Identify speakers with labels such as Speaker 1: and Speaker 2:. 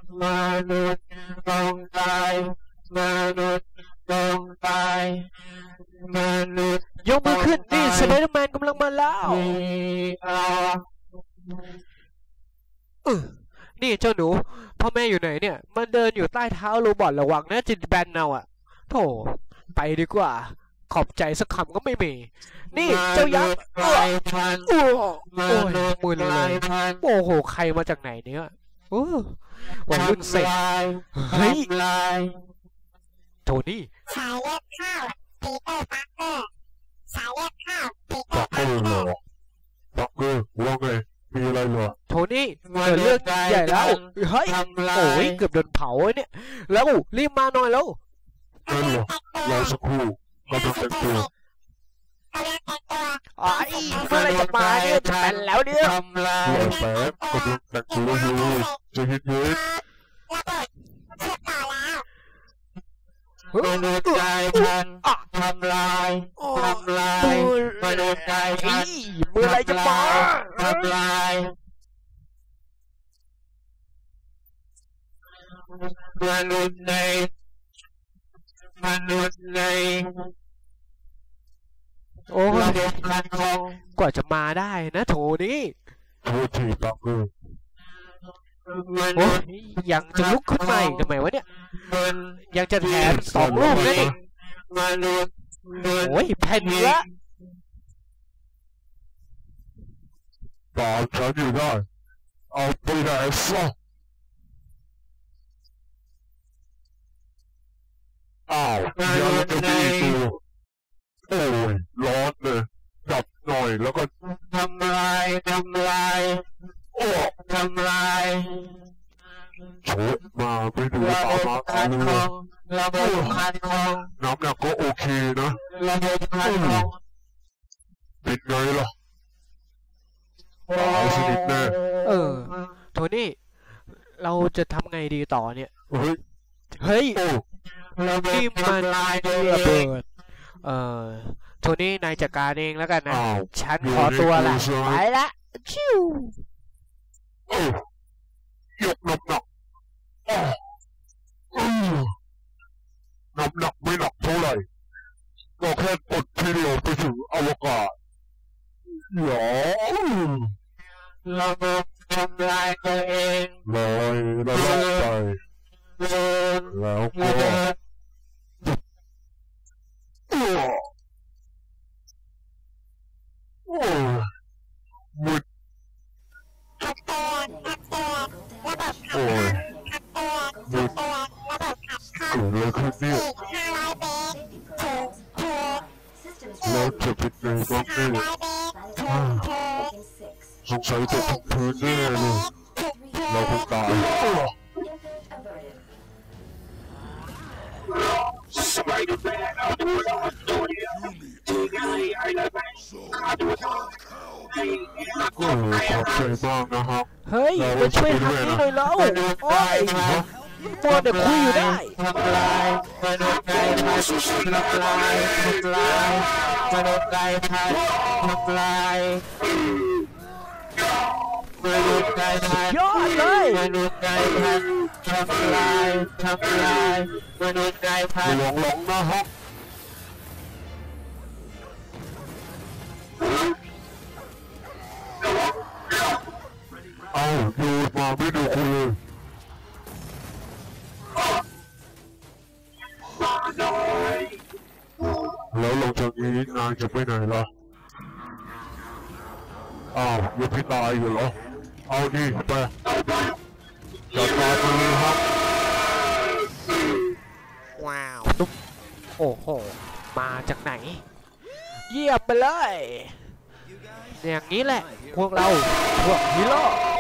Speaker 1: มนุษย์ต้องตายมนุษย์ต้องตายมนุษย์
Speaker 2: ยกมือขึ้นนี่สไปเดอร์แมนกำลังมาแล้วนี่เจ้าหนูพ่อแม่อยู่ไหนเนี่ยมันเดินอยู่ใต้เท้าโรบอทระวังนะจิตแบนเอาอะโธ่ไปดีกว่าขอบใจสักคำก็ไม่มีนี่เจ้ายักษ์โอ้ยมือเลยโอ้โหใครมาจากไหนเนี่ยวัยรุ่นเสกเฮ้ยโทนี่
Speaker 3: สายเลือดข้าวปีเตอร์ปาร์เกอร์สายเลือดข้าวปีเตอร์ปาร์เกอร์
Speaker 4: ปักเกอร์ว่าไงมีอะไรเหรอ
Speaker 2: โทนี่เกิดเรื่องใหญ่แล้วเฮ้ยโอ้ยเกือบโดนเผาเนี่ยแล้วรีบมาหน่อยแล้ว
Speaker 4: นั่นเหรอรอสักครู่กำลังแต่งตัว
Speaker 2: อ๋อเมื่อไรจะมาเนี่ยจะเป็นแล้วเนี่ย
Speaker 4: รอแป๊บกำลังแต่งตัวอยู่จะเห็นเห็น
Speaker 1: มนุษย์กลายพันธุ์ทำลายมนุษย์กลายพันธุ์
Speaker 2: เมื่อไรจะมา
Speaker 1: ทำลายมนุษย์ใน
Speaker 2: โอ้ยกว่าจะมาได้นะโถนี่
Speaker 4: โทษทีปักเกอร์
Speaker 2: โอ้ยยังจะลุกขึ้นมาอีกทำไมวะเนี่ยยังจะแถม2 ลูกนั่นเองโอ้ยแผ่นเนื้อ
Speaker 4: ตามฉันอยู่ได้เอาไปไหนซะอ้าวยังจะมีตัวโอ้ยร้อนเลยจับหน่อยแล้วก็
Speaker 1: ทำลาย
Speaker 4: โอ้
Speaker 1: ทำลาย
Speaker 4: โฉบมาไม่ดูตามมาเอาเลย
Speaker 1: ระบบคันของ
Speaker 4: น้ำหนักก็โอเคนะ
Speaker 1: ระบบคันของ
Speaker 4: เป็นไงล่ะตายสนิทแน่
Speaker 2: โทนี่เราจะทำไงดีต่อเนี่ย
Speaker 4: เฮ้ย
Speaker 2: นี่มันระเบิดโทนี่นายจัดการเองแล้วกันนะฉันขอตัวละไปละชิวย
Speaker 4: กน้ำหนักน้ำหนักไม่หนักเท่าไหร่ก็แค่กดทีเดียวไปถึงอวกาศหรอ
Speaker 1: ระบบทำลายตัวเอง
Speaker 4: ลอยระลับไปแล้วก็มุดโอ้ยมุดเกิดอะไรขึ้นเนี่ยแล้วจะเป็นไงบ้างเนี่ยสงสัยจะถูกพื้นแน่เลยเราคงตายขอบใจมากนะฮะ
Speaker 2: เฮ้ยมาช่วยทำนี่หน่อยแล้วโอ้ยมัวแต่คุยอยู่ได้
Speaker 1: ทำลายมนุษย์กลายพันธุ์ทำลายมนุษย์กลายพันธุ์ทำลายมนุษย์กลายพันธุ์
Speaker 2: ยอดเลย
Speaker 1: มนุษย์กลายพันธุ์ทำลายมนุษย์กลายพันธุ์
Speaker 4: หลงนะฮะเอาดูมาไม่ดูคุณเลยแล้วลงจากนี้นายจะไปไหนล่ะอ้าวยังไม่ตายอยู่เหรอเอาดิไปจัดการมันเลยครับ
Speaker 2: ว้าวตุ๊บโอ้โหมาจากไหนเยี่ยมไปเลยอย่างนี้แหละพวกเราพวกฮีโร่